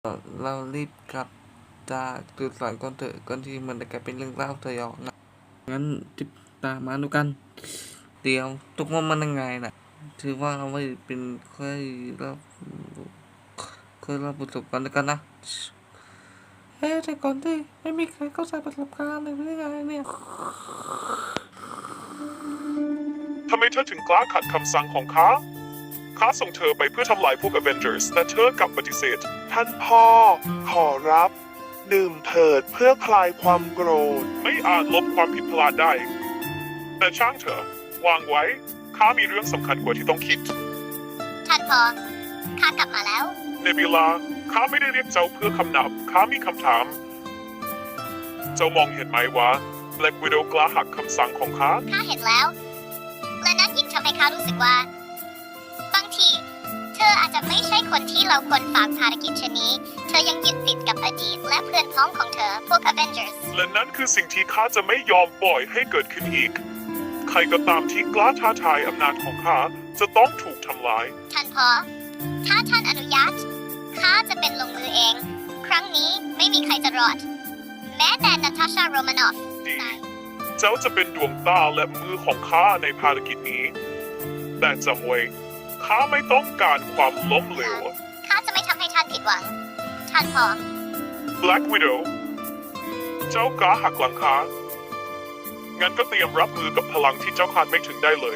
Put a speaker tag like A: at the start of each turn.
A: เรารีบกลับจากจุดสอนก่อนเถอะก่อนที่มันจะกลายเป็นเรื่องเล่าสยองนะงั้นติดตามมาดูกันเดี๋ยวทุกคนมันยังไงนะถือว่าเราไม่เป็นเคยรับประสบการณ์ด้วยกันนะแต่ก่อนที่ไม่มีใครเข้าใจประสบการณ์เลยไม่ได้ไงเนี่ย
B: ทำไมเธอถึงกล้าขัดคำสั่งของข้า ข้าส่งเธอไปเพื่อทำลายพวก Avengers แต่เธอกลับปฏิเสธ
C: ท่านพ่อ ขอรับ ดื่มเถิดเพื่อคลายความโกรธ
B: ไม่อาจลบความผิดพลาดได้ แต่ช่างเถอะวางไว้ ข้ามีเรื่องสำคัญกว่าที่ต้องคิด
D: ท่านพ่อข้ากลับมาแล้ว
B: เนบิลา ข้าไม่ได้เรียกเจ้าเพื่อคำนับ ข้ามีคำถาม เจ้ามองเห็นไหมว่า Black Widow กล้าหักคำสั่งของข้า
D: ข้าเห็นแล้ว และนั่นยิ่งทำให้ข้ารู้สึกว่า บางที เธออาจจะไม่ใช่คนที่เราควรฝากภารกิจชนนี้ เธอยังยึดติดกับอดีตและเพื่อนพ้องของเธอ พวก Avengers
B: และนั่นคือสิ่งที่ข้าจะไม่ยอมปล่อยให้เกิดขึ้นอีก ใครก็ตามที่กล้าท้าทายอำนาจของข้าจะต้องถูกทำลาย
D: ท่านพ่อถ้าท่านอนุญาตข้าจะเป็นลงมือเอง ครั้งนี้ไม่มีใครจะรอด แม้แต่นาตาชา โรมานอฟ
B: ดี เจ้าจะเป็นดวงตาและมือของข้าในภารกิจนี้ แต่จำไว้ข้าไม่ต้องการความล้มเหลว
D: ข้าจะไม่ทำให้ท่านผิดหวัง ท่านพ่อ
B: Black Widow เจ้ากล้าหักหลังข้างั้นก็เตรียมรับมือกับพลังที่เจ้าคาดไม่ถึงได้เลย